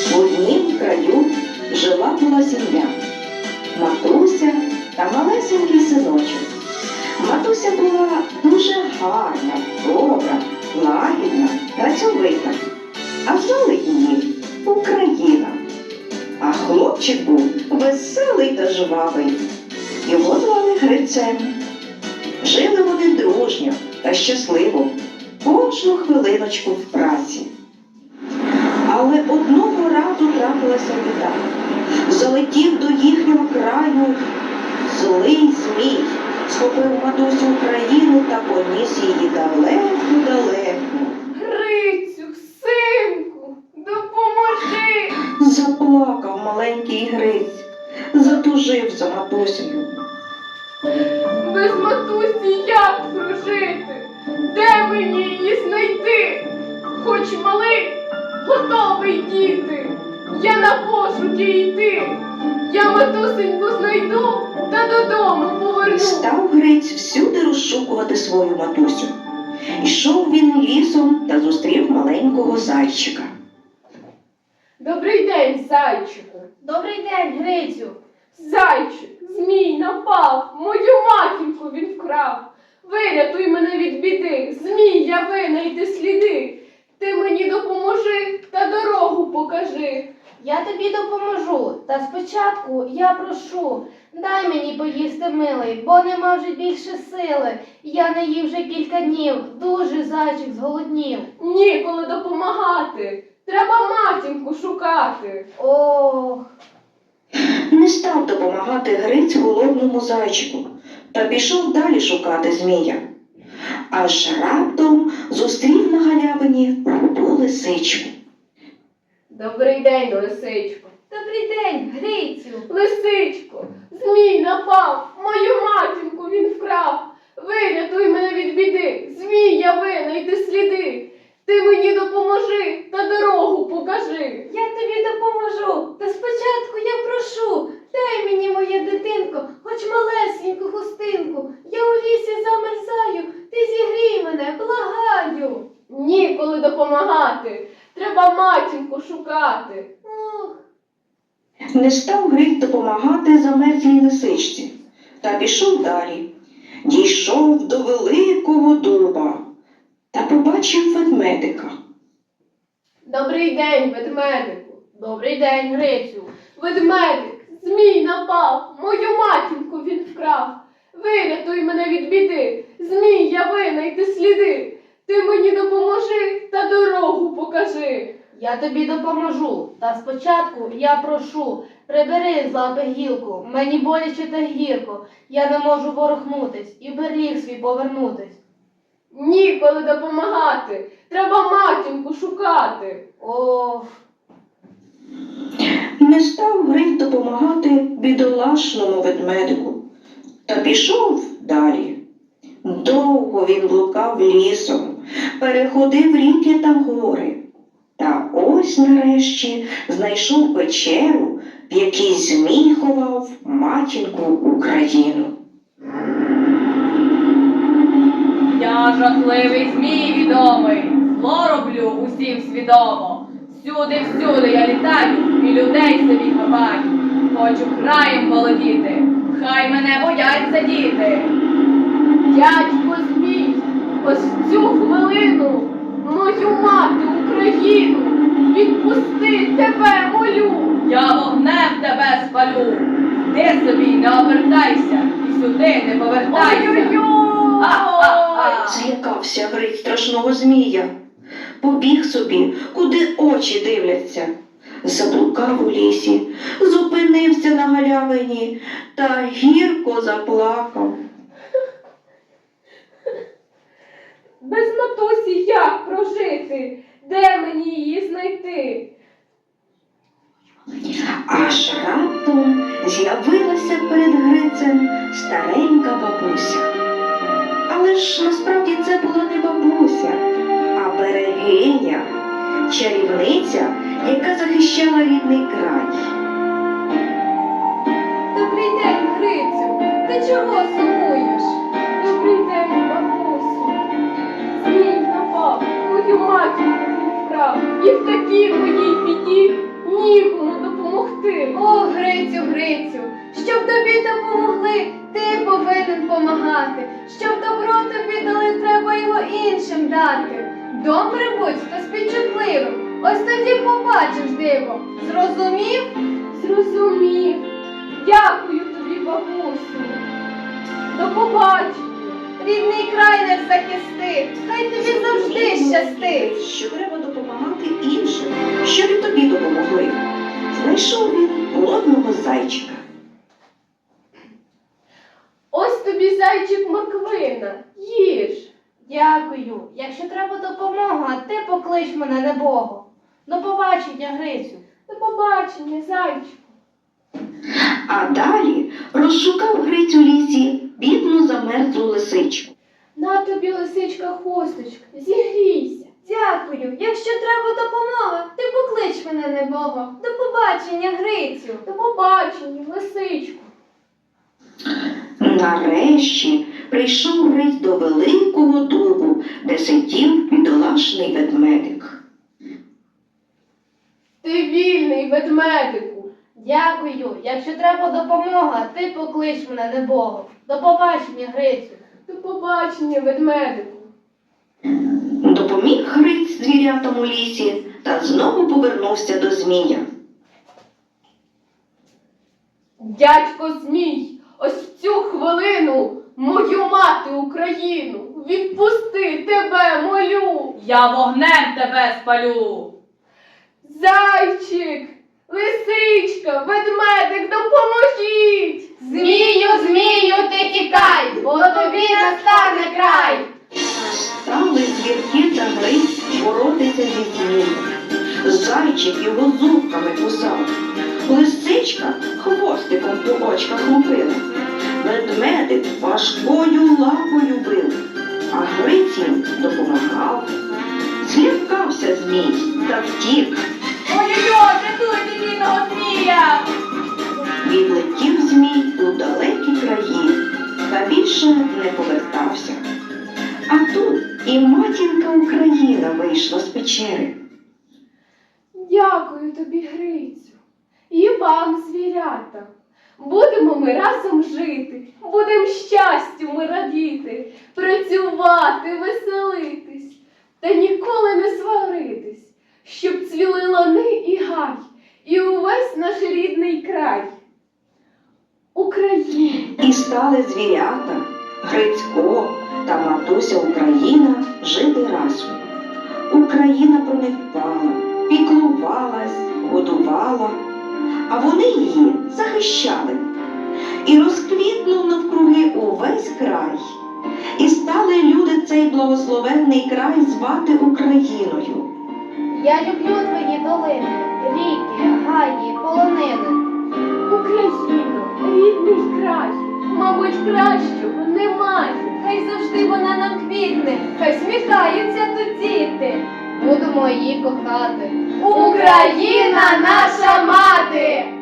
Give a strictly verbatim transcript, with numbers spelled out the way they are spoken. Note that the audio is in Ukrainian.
В однім краю жила була сім'я. Матуся та малесенький синочок. Матуся була дуже гарна, добра, лагідна, працьовита. А звали її Україна. А хлопчик був веселий та жвавий. Його звали Грицем. Жили вони дружньо та щасливо, кожну хвилиночку в праці. Але одного разу трапилася біда. Залетів до їхнього краю злий змій, схопив матусю Україну та поніс її далеко-далеко. Грицю, синку, допоможи! Заплакав маленький Гриць, затужив за матусею. Без матусі як прожити? Де мені її знайти? Хоч малий, готовий діти. Я на пошуки йти. Я матусеньку знайду та додому поверну. Став Гриць всюди розшукувати свою матусю. Ішов він лісом та зустрів маленького зайчика. Добрий день, зайчику. Добрий день, Грицю. Зайчик, змій напав, мою матінку він вкрав. Вирятуй мене від біди, змій я винайди сліди. Ти мені допоможи та дорогу покажи. Я тобі допоможу, та спочатку я прошу, дай мені поїсти, милий, бо нема вже більше сили. Я не їв вже кілька днів, дуже зайчик зголоднів. Ніколи допомагати, треба матінку шукати. Ох, Не став допомагати Гриць голодному зайчику та пішов далі шукати змія. Аж раптом зустрів на галявині руду лисичку. Добрий день, лисичко. добрий день, Грицю. Лисичко, змій напав, мою матінку він вкрав. Вирятуй мене від біди, змій я винайди сліди. Ти мені допоможи та дорогу покажи. Я тобі допоможу, та спочатку я прошу, дай мені, моє дитинко, хоч малесеньку хустинку. Я у лісі замерзаю, ти зігрій мене, благаю. Ніколи допомагати, треба матінку шукати. Ох, Не став Гриць допомагати замерзлій лисичці та пішов далі. Дійшов до великого дуба та побачив ведмедика. Добрий день, ведмедику. добрий день, Грицю. Ведмедик, змій напав, мою матінку він вкрав. Вирятуй мене від біди, змій я винайди сліди. Ти мені допоможи та дорогу покажи. Я тобі допоможу, та спочатку я прошу, прибери з лапи гілку, мені боляче та гірко, я не можу ворухнутись і в берліг свій повернутись. Ніколи допомагати, треба матінку шукати. Ох, Не став Гриць допомагати бідолашному ведмедику та пішов далі. Довго він блукав лісом, переходив ріки та гори. Та ось нарешті знайшов печеру, в якій змій ховав матінку Україну. Я жахливий змій відомий, зло роблю усім свідомо. Всюди, всюди я літаю і людей собі хапаю. Хочу краєм володіти, хай мене бояться діти. Дядько змій, ось в цю хвилину мою мати Україну відпусти, тебе молю. Я вогнем тебе спалю. Ти собі не обертайся і сюди не повертайся. Ой-ой-ой! А-а-а! Злякався Гриць страшного змія. Побіг собі, куди очі дивляться. Заблукав у лісі, зупинився на галявині та гірко заплакав. Без матусі як прожити? Де мені її знайти? Аж раптом з'явилася перед Грицем старенька бабуся. Але ж насправді це була не бабуся, а берегиня, чарівниця, яка захищала рідний край. Добрий день, Грицю, ти чого сумуєш? Добрий день, бабусю. Змій напав, мою матінку він вкрав, і в такій моїй біді побачиш диво. Зрозумів? Зрозумів. Дякую тобі, бабусю. До побачення. Рідний край не захисти. Хай тобі завжди щастить. Що треба допомагати іншим, щоб і тобі допомогли. Знайшов він голодного зайчика. Ось тобі зайчик морквина. Їж. Дякую. Якщо треба допомога, ти поклич мене небого. До побачення, Грицю. До побачення, зайчику. А далі розшукав Гриць у лісі бідну замерзлу лисичку. На тобі, лисичка, хусточка, зігрійся. Дякую. Якщо треба допомога, ти поклич мене небого. До побачення, Грицю. До побачення, лисичку. Нарешті прийшов Гриць до великого дубу, де сидів бідолашний ведмедик. Ти вільний, ведмедику. Дякую. Якщо треба допомога, ти поклич мене небого. До побачення, Грицю. До побачення, ведмедику. Допоміг Гриць звірятам у лісі та знову повернувся до змія. Дядько Змій, ось в цю хвилину мою мати Україну, відпусти, тебе молю. Я вогнем тебе спалю. Зайчик, лисичка, ведмедик, допоможіть. Змію, змію, ти тікай, бо тобі настане край. Стали звірки та Гриць боротися зі змієм. Зайчик його зубками кусав. Лисичка хвостиком по очках лупила. Ведмедик важкою лапою бив, а Гриць їм допомагав. Злякався змій та втік. Ой-ой-ой, рятуйте бідного змія! Відлетів змій у далекі краї та більше не повертався. А тут і матінка Україна вийшла з печери. Дякую тобі, Грицю, і вам, звірята. Будемо ми разом жити, будем щастю ми радіти, працювати, веселитись, та ніколи не сваритись, щоб цвіли лани і гай, і увесь наш рідний край. Україна! І стали звірята, Грицько та матуся Україна жити разом. Україна про них дбала, піклувалась, годувала, а вони її захищали. І розквітнув навкруги увесь край. І стали люди цей благословенний край звати Україною. Я люблю твої долини, ріки, гаї, полонини. Україно, рідний край, мабуть, кращого немає. Хай завжди вона нам квітне, хай сміхаються тут діти. Будемо її кохати. Україна наша мати!